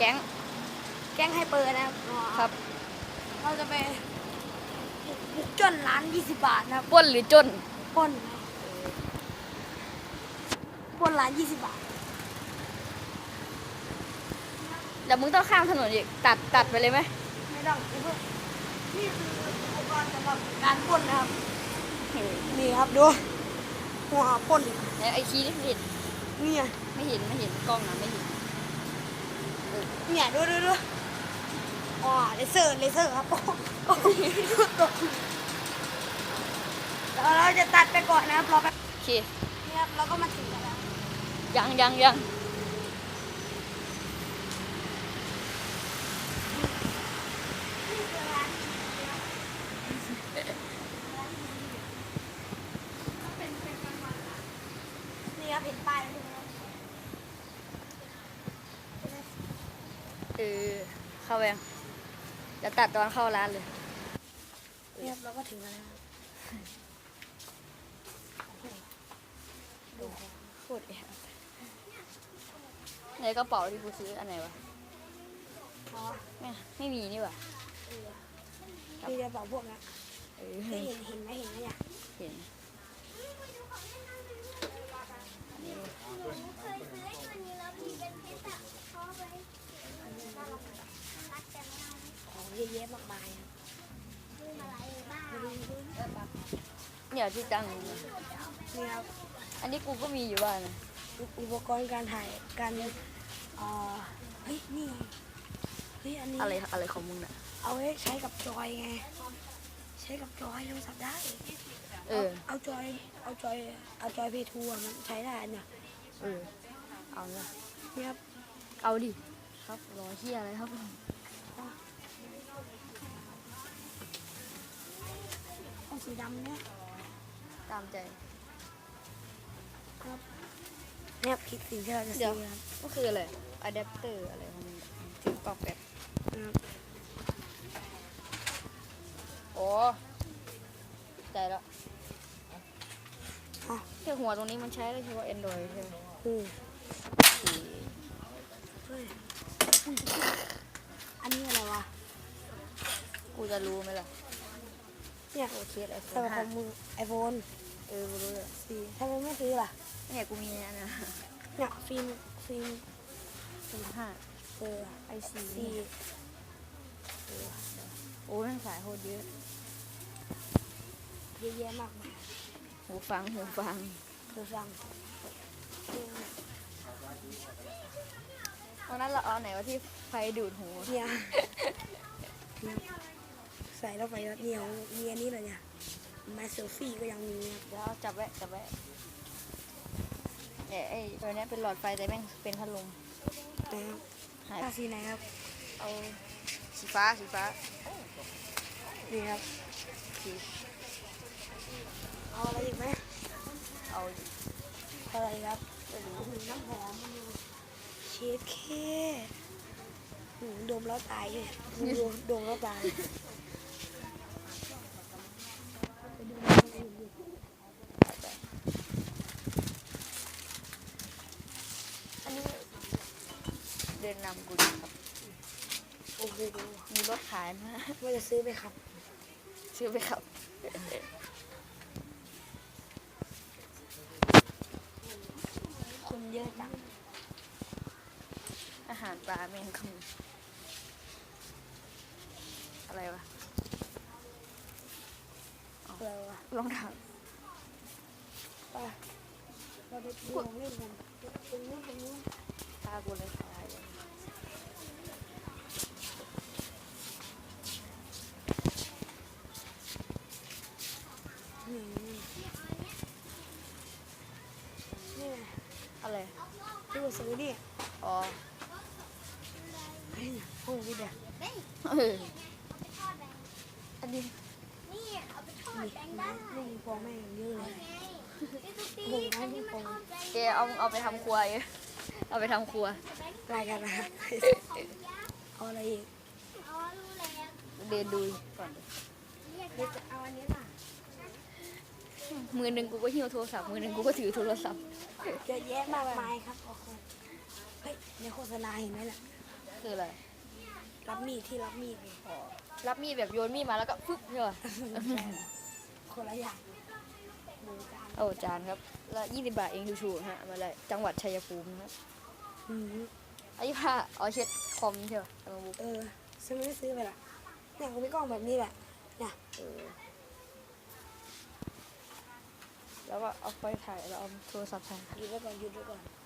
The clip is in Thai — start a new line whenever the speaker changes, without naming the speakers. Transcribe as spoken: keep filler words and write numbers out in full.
แก๊ง
แก๊งให้เปิดนะครับ
ครับ
เราจะไปบุกจนร้านยี่สิบบาทนะครับ
ปล้นหรือจน
ปล้นปล้นร้านยี่สิบบาท
เดี๋ยวมึงต้องข้ามถนนอีกตัดตัดไปเลยไหม
ไม่ต้องนี่คืออุปกรณ์สำหรับการปล้นนะครับนี่ครับดูหัวปล้น
ไอคีนี่เห็น
นี่
ไม่เห็นไม่เห็นกล้องนะไม่เห็น
เนี่ยดูดูดูอ๋อเลเซอร์เลเซอร์ครับโอ้โหแล้วเราจะตัดไปก่อนนะครับรอแป๊บ
โอเค
นี่ครับเราก็มาถึงแล้ว
ยังยังยัง
นี่ครับเห็นป้ายแล้ว
เออเข้าไปจะตัดตอนเข้าร้านเลย
นี่ครับเราก็ถึงแล้ว
โคตรแอบในกระเป๋าที่กูซื้ออันไหนวะไม่ไม่มีนี่วะ
มีกระเป๋าพวกนี้เห็นเห็นไหมเห็นไหมเนี่ย
เห็น
ของเยอะแยะมากมาย
เนี่ยที่จัง
นี่ครับ
อันนี้กูก็มีอยู่บ้านนะ
อุปกรณ์การถ่ายการเอ่อเฮ้ยนี่เฮ้ยอันนี้
อะไรอะไรของมึงน่ะ
เอาไว้ใช้กับจอยไงใช้กับจอยโทรศัพท์ได้
เออ
เอาจอยเอาจอยเอาจอยเพทูมันใช้ได้เนี่ย
เออเอาละ
นี่ครับ
เอาดิครับรอเฮียอะไรครับ
เอาสีดำเนี่ย
ตามใจ
ครับเนี่ยคิดสีที่เราจะซื้อครับ
ก็คืออะไรอะแดปเตอร์อะไรของมึงถึงปอกแบบโอ้ใจแล้วแค่หัวตรงนี้มันใช้ได้เฉพาะ Android ใช่ไหม
อืมอันนี้อะไรวะ
กูจะรู้ไหมล่ะ
เนี่ย
โอเคไอโฟน
แต่ของมึงไอโฟน
เออกูรู้เลย
สีทำไมไม่ซื้อล่ะ
เนี่ยกูมีอันนี้
เนี่ยฟิล์มฟิล์ม
สิบห้า
เออ
ไอซี
ซี
โอ้ยสายโคตรเยอะ
เยอะแยะมากมาย
หูฟังหูฟัง
หูฟัง
วันนั้นเราเอาไหนว่าที่ไฟดูดหู
เนี่ยใส่แล้วไปแล้วเหนียวมีอันนี้เลยเนี่ยมาเซลฟี่ก็ยังมี
แล้วจับไว้จับไว้เนี่ยไอ้ตัวนี้เป็นหลอดไฟแต่แม่งเป็นพัดลม
หายสีไหนครับ
เอาสีฟ้าสีฟ้า
นี่ครับเอาอะไรอีกไหม
เอา
อะไรครับน้ำหอมเชฟเคดมแล้วตายเลยดมแล้วตาย
อันนี้เดินนำกูครับ
โอ้โห
มีรถขายนะ
ว่าจะซื้อไปครับ
ซื้อไปครับ
คนเยอะจัง
อาหารปลาแมงคำอะไรวะ
อะไรวะ
ลองถาม
ไปเราไปดูของเล่นกันตรงนู้นตรงนู้น
ตากูเลยตาย
นี่นี่
อะไร
ที่ว่าซื้อนี่
อ๋อ
เฮ้ยโอ้ยเดี๋ยว
อันนี้
นี่เอาไปทอดแบงได้นี่ฟองแม่งเยอะเลยบุกให้ฟอง
แกเอาเอาไปทำครัวเอาไปทำครัว
รายการนะครับเอาอะไรอีก
เดินดูก่อน
เอาอันนี้ป่ะ
มือหนึ่งกูก็หิ้วโทรศัพท์มือหนึ่งกูก็ถือโทรศัพท์
เยอะแยะมากมายครับโอ้โหเฮ้ยในโฆษณาเห็นไหมล่ะ
คืออะไร
รับมีดที่รับมีดไง
อ๋อรับมีดแบบโยนมีดมาแล้วก็ฟึบใช่ป่ะ
คนละอย่างดูจาน
โอ้จานครับละยี่สิบบาทเองถูกๆฮะเอามาเลยจังหวัดชัยภูมินะครับ
อืม
อันนี้ผ้าอ๋อเช็ดคอมใช่ป่ะเอามาบุ๊ก
เออซื้อไม่ได้ซื้อไปละเนี่ยเขาพี่กล้องแบบนี้แหละเนี่ย
เออแล้วก็เอาไปถ่ายแล้วเอาโทรศัพท์ถ่าย
หยุดไว้ก่อนหยุดไว้ก่อน